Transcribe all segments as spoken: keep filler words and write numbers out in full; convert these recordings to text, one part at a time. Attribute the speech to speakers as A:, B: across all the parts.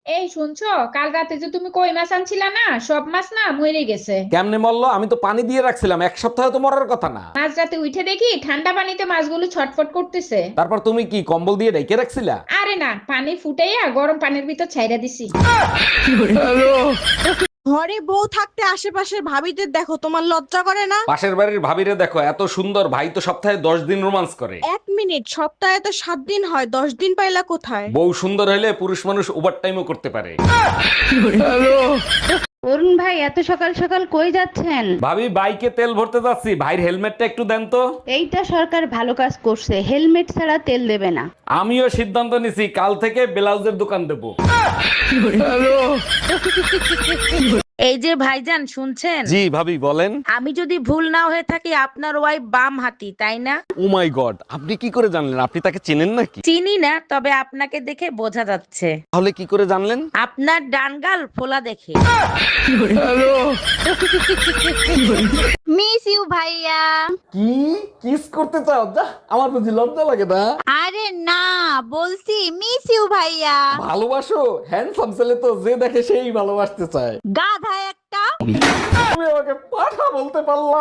A: এই শুনছো, কাল রাতে যে তুমি কই মাছ আনছিলা না, সব মাছ না মরে গেছে।
B: কেমনে মরলো? আমি তো পানি দিয়ে রাখছিলাম, এক সপ্তাহে তো মরার কথা না।
A: মাঝ রাতে উঠে দেখি ঠান্ডা পানিতে মাছগুলো ছটফট করতেছে।
B: তারপর তুমি কি কম্বল দিয়ে ঢেকে রাখছিলা?
A: আরে না, পানি ফুটাইয়া গরম পানির ভিতর ছাইরা দিছি।
C: ঘরে বউ থাকতে আশেপাশের ভাবিদের দেখো, তোমার লজ্জা করে না?
B: পাশের বাড়ির ভাবিরে দেখো, এত সুন্দর, ভাই তো সপ্তাহে দশ দিন রোমান্স করে।
C: এক মিনিট, সপ্তাহে তো সাত দিন হয়, দশ দিন পাইলা কোথায়?
B: বউ সুন্দর হলে পুরুষ মানুষ ওভার টাইমও করতে পারে।
D: অরুণ ভাই, এত সকাল সকাল কই যাচ্ছেন?
B: ভাবি, বাইকে তেল ভরতে যাচ্ছি, ভাইয়ের হেলমেটটা একটু দেন তো।
D: এইটা সরকার ভালো কাজ করছে, হেলমেট ছাড়া তেল দেবে না।
B: আমিও সিদ্ধান্ত নিছি, কাল থেকে ব্লাউজের দোকান দেবো।
E: এই যে ভাইজান, শুনছেন?
B: জি ভাবি বলেন।
E: আমি যদি ভুল না হয়ে থাকি, আপনার ওয়াইফ বাম হাতি, তাই না?
B: ও মাই গড, আপনি কি করে জানলেন? আপনি তাকে চেনেন নাকি?
E: চিনি না, তবে আপনাকে দেখে বোঝা যাচ্ছে।
B: তাহলে কি করে জানলেন?
E: আপনার ডান গাল ফোলা দেখে।
F: মিস ইউ ভাইয়া।
B: কি কিস করতে চাও? যা, আমার বুঝি লজ্জা লাগে না?
F: আরে না, বলছি মিস ইউ ভাইয়া।
B: ভালোবাসো? হ্যান্ডসাম ছেলে তো যে দেখে সেই ভালোবাসতে চায়।
F: গাধা একটা।
B: তুমি আমাকে পাঠা বলতে পারলা?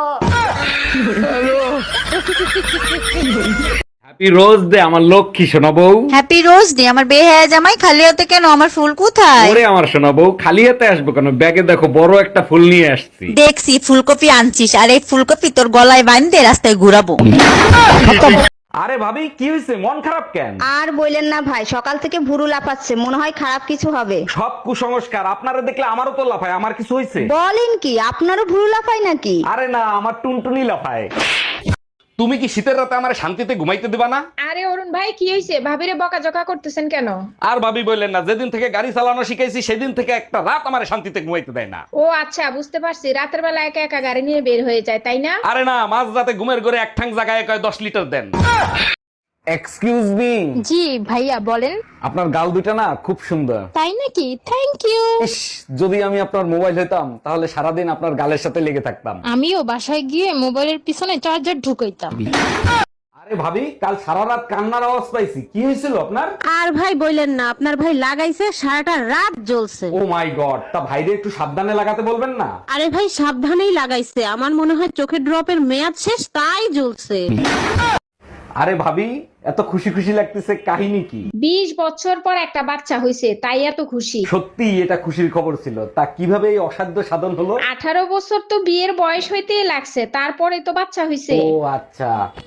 B: হ্যাপি রোজ ডে আমার লক্ষ্মী সোনা বউ।
F: হ্যাপি রোজ ডে আমার বেহায়া জামাই। খালি হাতে কেন? আমার ফুল কোথায়?
B: ওরে আমার সোনা বউ, খালি হাতে আসবো কেন? ব্যাগে দেখো বড় একটা ফুল নিয়ে আসছি।
F: দেখছি ফুলকপি আনছিস, আর এই ফুলকপি তোর গলায় বাঁধতে রাস্তায় ঘুরাবো।
B: আরে ভাবি, কি হয়েছে? মন খারাপ কেন?
G: আর বললেন না ভাই, সকাল থেকে ভুরু লাফাচ্ছে, মনে হয় খারাপ কিছু হবে।
B: সব কুসংস্কার, আপনারা দেখলে আমারও তো লাফায়। আমার কিছু হয়েছে?
G: বলেন কি, আপনারও ভুরু লাফায় নাকি?
B: আরে না, আমার টুনটুনি লাফায়। তুমি কি শীতের রাতে আমার শান্তিতে ঘুমাইতে দিবা না?
A: আরে অরুণ ভাই, কি হয়েছে? ভাবিরে বকাঝকা করতেছেন কেন?
B: আর ভাবি বললেন না, যেদিন থেকে গাড়ি চালানো শিখাইছি সেদিন থেকে একটা রাত আমার শান্তিতে ঘুমাইতে দেয় না।
A: ও আচ্ছা, বুঝতে পারছি, রাতের বেলা একা একা গাড়ি নিয়ে বের হয়ে যায়, তাই না?
B: আরে না, মাঝ রাতে ঘুমের ঘরে এক ঠাং জায়গায় কয় দশ লিটার দেন। Excuse me.
F: জি ভাইয়া বলেন।
B: আপনার গাল দুটা না খুব সুন্দর।
F: তাই নাকি? Thank you.
B: ইস, যদি আমি আপনার মোবাইল হতাম তাহলে সারাদিন আপনার গালের সাথে লেগে থাকতাম।
F: আমিও বাসায় গিয়ে মোবাইলের পিছনে চার্জার ঢুকাইতাম।
B: আরে ভাবি, কাল সারা রাত কান্নার আওয়াজ পাইছি, কি হয়েছিল আপনার?
E: আর ভাই বললেন না, আপনার ভাই লাগাইছে সারাটা রাত জ্বলছে।
B: ও মাই গড, তা ভাইরে একটু সাবধানে লাগাতে বলবেন না?
E: আরে ভাই সাবধানেই লাগাইছে, আমার মনে হয় চোখের ড্রপের মেয়াদ শেষ, তাই জ্বলছে।
B: আরে ভাবি, এত খুশি খুশি লাগতেছে, কাহিনী কি?
A: বিশ বছর পর একটা বাচ্চা হয়েছে, তাই এত খুশি।
B: সত্যি এটা খুশির খবর ছিল। তা কিভাবে এই অসাধ্য সাধন হলো?
A: আঠারো বছর তো বিয়ের বয়স হইতেই লাগছে, তারপরে তো বাচ্চা হয়েছে।
B: ও আচ্ছা।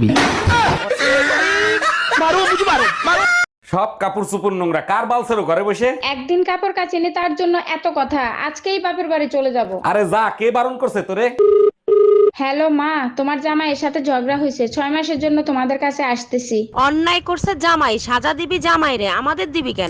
B: সব কাপড় চুপুর নোংরা, কার বালছেরো ঘরে বসে?
A: একদিন কাপড় কাচিনি তার জন্য এত কথা, আজকেই বাপের বাড়ি চলে যাব।
B: আরে যা, কে বারণ করছে তোরে?
A: হ্যালো মা, তোমার জামাইয়ের সাথে ঝগড়া হয়েছে, ছয় মাসের জন্য তোমাদের কাছে আসতেছি।
E: অন্যায় করছে জামাই, সাজা দিবি জামাই রে, আমাদের দিবি কেন?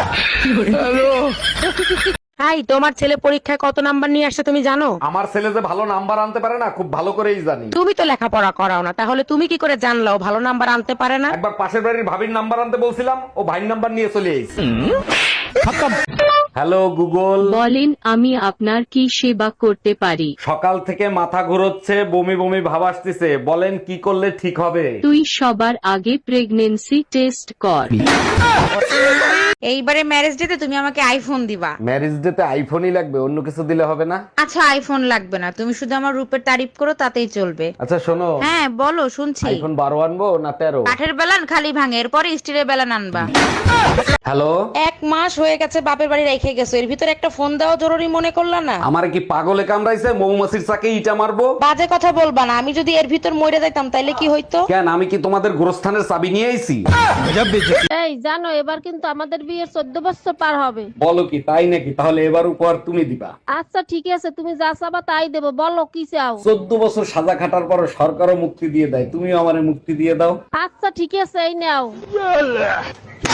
E: হাই, তোমার ছেলে পরীক্ষায় কত নাম্বার নিয়ে আসছে তুমি জানো?
B: আমার ছেলে যে ভালো নাম্বার আনতে পারে না, খুব ভালো করেই জানি।
E: তুমি তো লেখাপড়া করাও না, তাহলে তুমি কি করে জানলো ও ভালো নাম্বার আনতে পারে না?
B: একবার পাশের বাড়ির ভাবির নাম্বার আনতে বলছিলাম, ও ভাইয়ের নাম্বার নিয়ে চলে এসেছে। Hello Google.
H: বলেন, আমি আপনার কি সেবা করতে পারি?
B: সকাল থেকে মাথা ঘুরোচ্ছে, বমি বমি ভাব আসতেছে, বলেন কি করলে ঠিক হবে?
H: তুই সবার আগে প্রেগনেন্সি টেস্ট কর।
E: এইবারে ম্যারেজ ডেতে তুমি আমাকে আইফোন দিবা।
B: ম্যারেজ ডেতে আইফোনই লাগবে, অন্য কিছু দিলে হবে না?
E: আচ্ছা, আইফোন লাগবে না, তুমি শুধু আমার রূপের তারিফ করো, তাতেই চলবে।
B: আচ্ছা শোনো,
E: হ্যাঁ বলো, শুনছি।
B: আইফোন বারো আনবো না তেরো?
E: কাঠের বেলান খালি ভাঙে, এরপরে স্টিলের বেলান আনবা।
B: হ্যালো।
E: এক মাস হয়ে গেছে বাপের বাড়ি রেখে গেছো, এর ভিতরে একটা ফোন দেওয়া জরুরি মনে করলা না?
B: আমার কি পাগলে কামড়াইছে? মৌমাছির চাকে ইটা মারবো?
E: বাজে কথা বলবা না, আমি যদি এর ভিতর মরে যাইতাম তাইলে কি হইতো?
B: কেন, আমি কি তোমাদের গোরস্থানের চাবি নিয়ে আইছি?
I: এই জানো, এবার কিন্তু আমাদের বিয়ের চোদ্দ বছর পার হবে।
B: বলো কি, তাই নাকি? তাহলে এবার উপহার তুমি দিবা।
I: আচ্ছা ঠিক আছে, তুমি যা চাবা তাই দেবো, বলো কি চাও?
B: চোদ্দ বছর সাজা খাটার পর সরকারও মুক্তি দিয়ে দেয়, তুমিও আমারে মুক্তি দিয়ে দাও।
I: আচ্ছা ঠিক আছে, এই নাও।